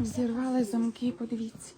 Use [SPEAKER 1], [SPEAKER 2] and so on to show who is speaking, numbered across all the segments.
[SPEAKER 1] Зірвали замки, подивіться.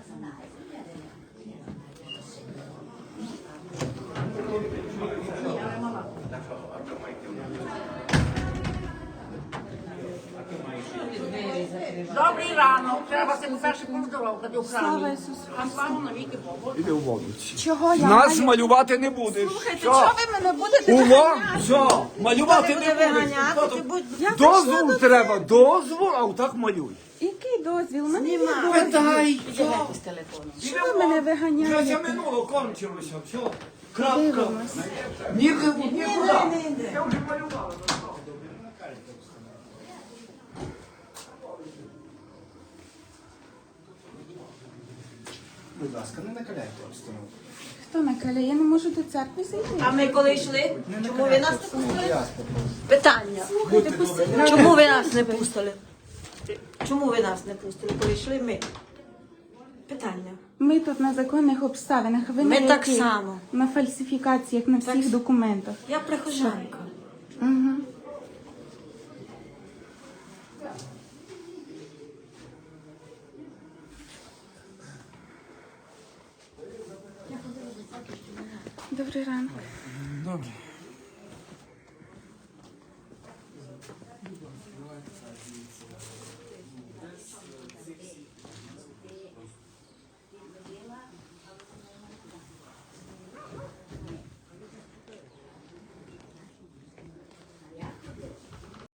[SPEAKER 2] Добрий ранок. Треба себе перше поздоровкати у
[SPEAKER 1] Слава
[SPEAKER 2] храмі.
[SPEAKER 1] Ісусу
[SPEAKER 2] А слава навіки Богу.
[SPEAKER 3] Іди у воду.
[SPEAKER 1] Чого я
[SPEAKER 3] Нас
[SPEAKER 1] маю?
[SPEAKER 3] малювати не будеш.
[SPEAKER 1] Слухайте,
[SPEAKER 3] Що?
[SPEAKER 1] чого ви мене будете
[SPEAKER 3] Увагу!
[SPEAKER 1] виганяти?
[SPEAKER 3] Що? Малювати не будеш. Дозвол треба, дозвол, а отак малюй.
[SPEAKER 1] Який дозвіл? У мене є дозвіл.
[SPEAKER 3] Питай.
[SPEAKER 2] З телефону.
[SPEAKER 1] Чого ви мене
[SPEAKER 3] Вже це
[SPEAKER 1] виганяєте?
[SPEAKER 3] минуло, кончилося. Все. Крапка.
[SPEAKER 1] Дивимось.
[SPEAKER 3] Нікуди.
[SPEAKER 2] Я вже малювала.
[SPEAKER 4] Будь ласка, не накаляйте обстановку.
[SPEAKER 1] Хто накаляє? Я не можу до церкви зайти.
[SPEAKER 2] А ми коли йшли, чому ви нас не пустили?
[SPEAKER 4] Я спокійно.
[SPEAKER 2] Питання.
[SPEAKER 1] Слухайте, постійно.
[SPEAKER 2] Чому ви нас не пустили? Чому ви нас не пустили, коли йшли ми? Питання.
[SPEAKER 1] Ми тут на законних обставинах. Ви
[SPEAKER 2] Ми
[SPEAKER 1] на
[SPEAKER 2] так
[SPEAKER 1] яких?
[SPEAKER 2] само.
[SPEAKER 1] На фальсифікаціях, на всіх документах.
[SPEAKER 2] Я прихожанка.
[SPEAKER 1] Угу. Добрий ранок.
[SPEAKER 3] Добре.